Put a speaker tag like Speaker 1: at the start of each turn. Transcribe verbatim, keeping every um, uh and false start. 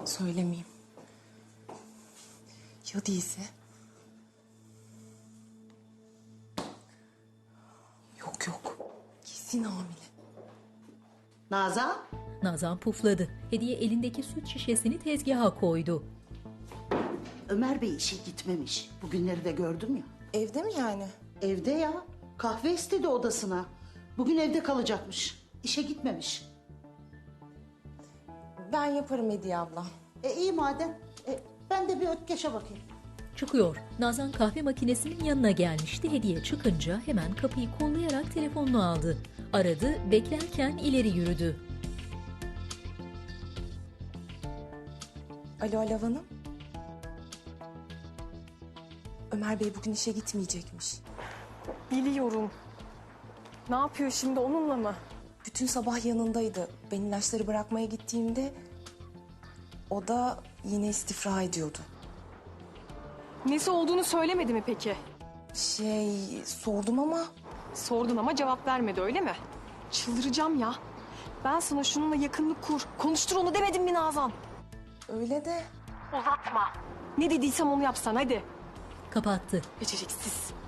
Speaker 1: Söylemeyeyim. Ya değilse? Yok yok. Kesin hamile.
Speaker 2: Nazan,
Speaker 3: Nazan pufladı. Hediye elindeki süt şişesini tezgaha koydu.
Speaker 2: Ömer Bey işe gitmemiş. Bugünleri de gördüm ya.
Speaker 1: Evde mi yani?
Speaker 2: Evde ya. Kahve istedi odasına. Bugün evde kalacakmış. İşe gitmemiş.
Speaker 1: Ben yaparım Hediye abla.
Speaker 2: E iyi madem. E, ben de bir ötkeşe bakayım.
Speaker 3: Çıkıyor. Nazan kahve makinesinin yanına gelmişti. Hediye çıkınca hemen kapıyı kollayarak telefonunu aldı. Aradı, beklerken ileri yürüdü.
Speaker 1: Alo Alev Hanım. Ömer Bey bugün işe gitmeyecekmiş.
Speaker 4: Biliyorum. Ne yapıyor şimdi, onunla mı?
Speaker 1: Bütün sabah yanındaydı. Ben ilaçları bırakmaya gittiğimde o da yine istifra ediyordu.
Speaker 4: Nesi olduğunu söylemedi mi peki?
Speaker 1: Şey sordum ama
Speaker 4: Sordun ama cevap vermedi, öyle mi? Çıldıracağım ya. Ben sana şununla yakınlık kur, konuştur onu demedim mi Nazan?
Speaker 1: öyle de
Speaker 4: Uzatma. Ne dediysem onu yapsan hadi.
Speaker 3: Kapattı.
Speaker 4: Beceriksiz.